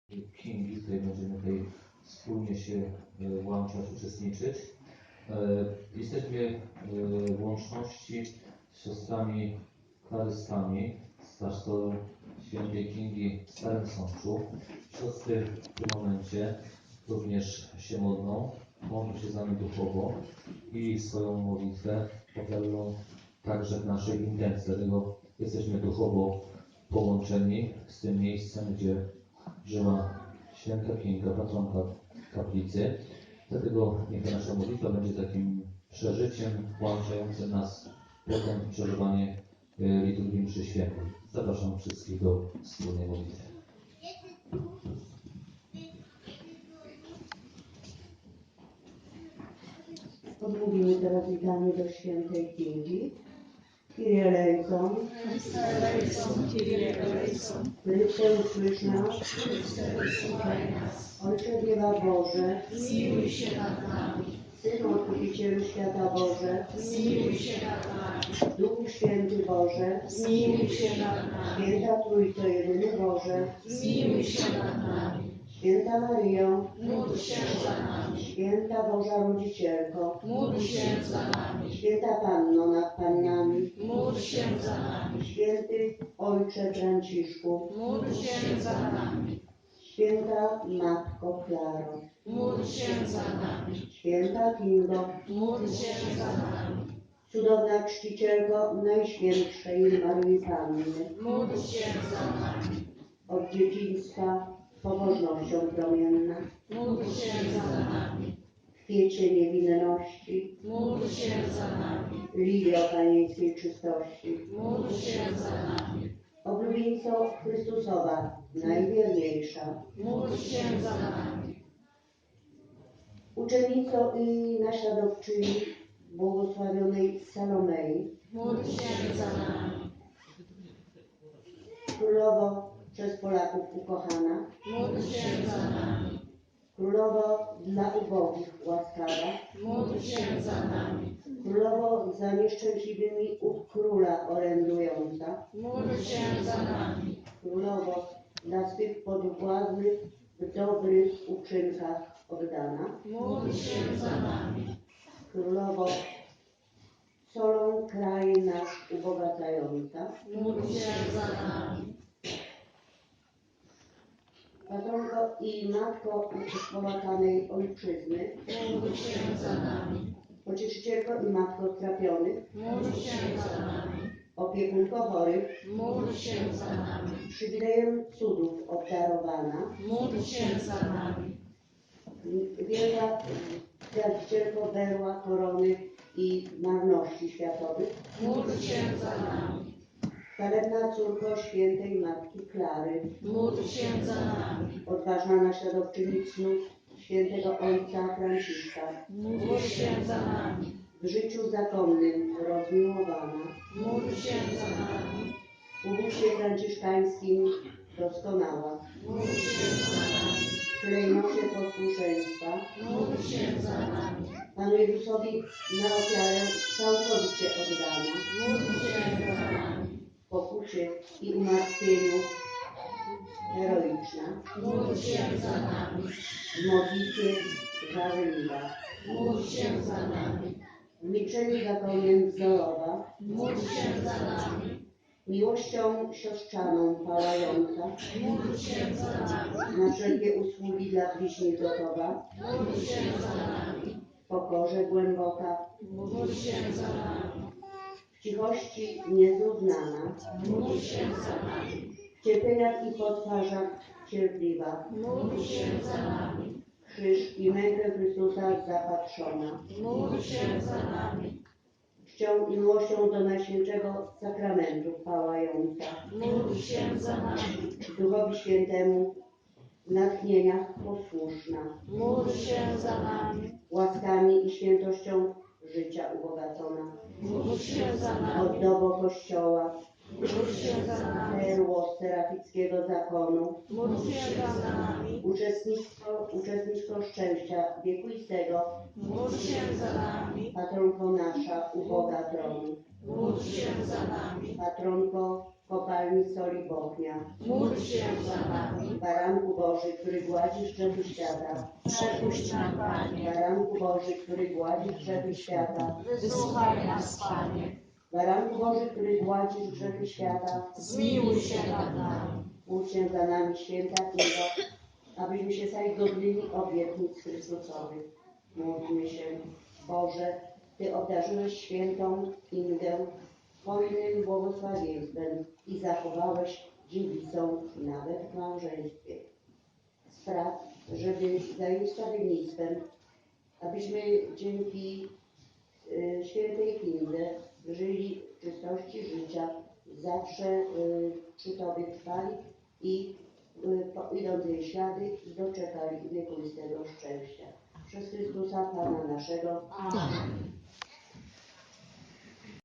Kingi, w której będziemy tutaj wspólnie się włączać, uczestniczyć. Jesteśmy w łączności z siostrami klarystami z klasztoru świętej Kingi w Starym Sączu. Siostry w tym momencie również się modlą się z nami duchowo i swoją modlitwę ofiarują także w naszej intencji. Dlatego jesteśmy duchowo połączeni z tym miejscem, gdzie żyła święta Kinga, patronka kaplicy. Dlatego niech nasza modlitwa będzie takim przeżyciem włączającym nas potem w przeżywanie liturgii mszy świętej. Zapraszam wszystkich do wspólnej modlitwy. Odmówimy teraz witanie do świętej Kingi. Kyrie eleison. Chryste usłysz nas. Ojcze Dziewa Boże, zmiłuj się nad nami. Synu Odkupicielu świata Boże, Zmiłuj się nad nami. Duchu Święty Boże, Zmiłuj się nad nami. Święta Trójco Jedyny Boże, Zmiłuj się nad nami. Święta Maryjo, Módl się za nami. Święta Boża Rodzicielko, Módl się za nami. Święta Panno nad Pannami, Módl się za nami. Święty Ojcze Franciszku, Módl się za nami. Święta Matko Klaro, Módl się za nami. Święta Kingo, Módl się za nami. cudowna czcicielko Najświętszej Maryi Panny, Módl się za nami. od dzieciństwa pobożnością promienna, Módl się za nami. w kwiecie niewinności, Módl się za nami. lilio panieńskiej czystości, Módl się za nami. oblubieńco Chrystusowa, najwierniejsza, Módl się za nami. uczennico i naśladowczyni błogosławionej Salomei, Módl się za nami. królowo przez Polaków ukochana, Módl się za nami. królowo dla ubogich łaskawa, Módl się za nami. królowo za nieszczęśliwymi u króla orędująca, Módl się za nami. królowo dla swych podwładnych w dobrych uczynkach oddana, Módl się za nami. królowo solą kraj nasz ubogacająca, Módl się za nami. patronko i matko połakanej ojczyzny, Módl się za nami. pocieszycielko i matko strapionych, Módl się za nami. opiekunko chorych, Módl się za nami. przywilejem cudów obdarowana, Módl się za nami. wielka zjawicielko berła, korony i marności światowych, Módl się za nami. chwalebna córko świętej Matki Klary, Módl się za nami. odważna naśladowczyni cnót świętego Ojca Franciszka, Módl się za nami. w życiu zakonnym rozmiłowana, Módl się za nami. w ubóstwie franciszkańskim doskonała, Módl się za nami. w klejnocie posłuszeństwa, Módl się za nami. Panu Jezusowi na ofiarę całkowicie oddana, Módl się za nami. w pokucie i umartwieniu heroiczna, Módl się za nami. w modlitwie żarliwa, Módl się za nami. w milczeniu zakonnym wzorowa, Módl się za nami. miłością siostrzaną pałająca, Módl się za nami. na wszelkie usługi dla bliźnich gotowa, Módl się za nami. w pokorze głęboka, Módl się za nami. w cichości niezrównana, Módl się za nami. w cierpieniach i potwarzach cierpliwa, Módl się za nami. krzyż i mękę Chrystusa zapatrzona, Módl się za nami. czcią i miłością do Najświętszego Sakramentu pałająca, Módl się za nami. Duchowi Świętemu w natchnieniach posłuszna, Módl się za nami. łaskami i świętością życia ubogacona, Módl się za nami. oddobo Kościoła, Módl się za nami. perło serafickiego zakonu, Módl się za nami. uczestnictwo szczęścia wiekuistego, Módl się za nami. patronko nasza, uboga tronu, Módl się za nami. patronko kopalni soli Bochnia. Módl się za nami. Baranku Boży, który gładzisz grzechy świata. Przepuść nam, Panie. Baranku Boży, który gładzisz grzechy świata. Wysłuchaj nas, Panie. Baranku Boży, który gładzisz grzechy świata. Zmiłuj się nad nami. Módl się za nami, święta Królo, abyśmy się stali godnymi obietnic Chrystusowych. Módlmy się, Boże, Ty obdarzyłeś świętą Ingę hojnym błogosławieństwem i zachowałeś dziewicą nawet w małżeństwie. Spraw, żeby za jej wstawiennictwem, abyśmy dzięki świętej Kindze żyli w czystości życia, zawsze przy Tobie trwali i idąc jej ślady, doczekali wiekuistego szczęścia. Przez Chrystusa Pana naszego. Amen.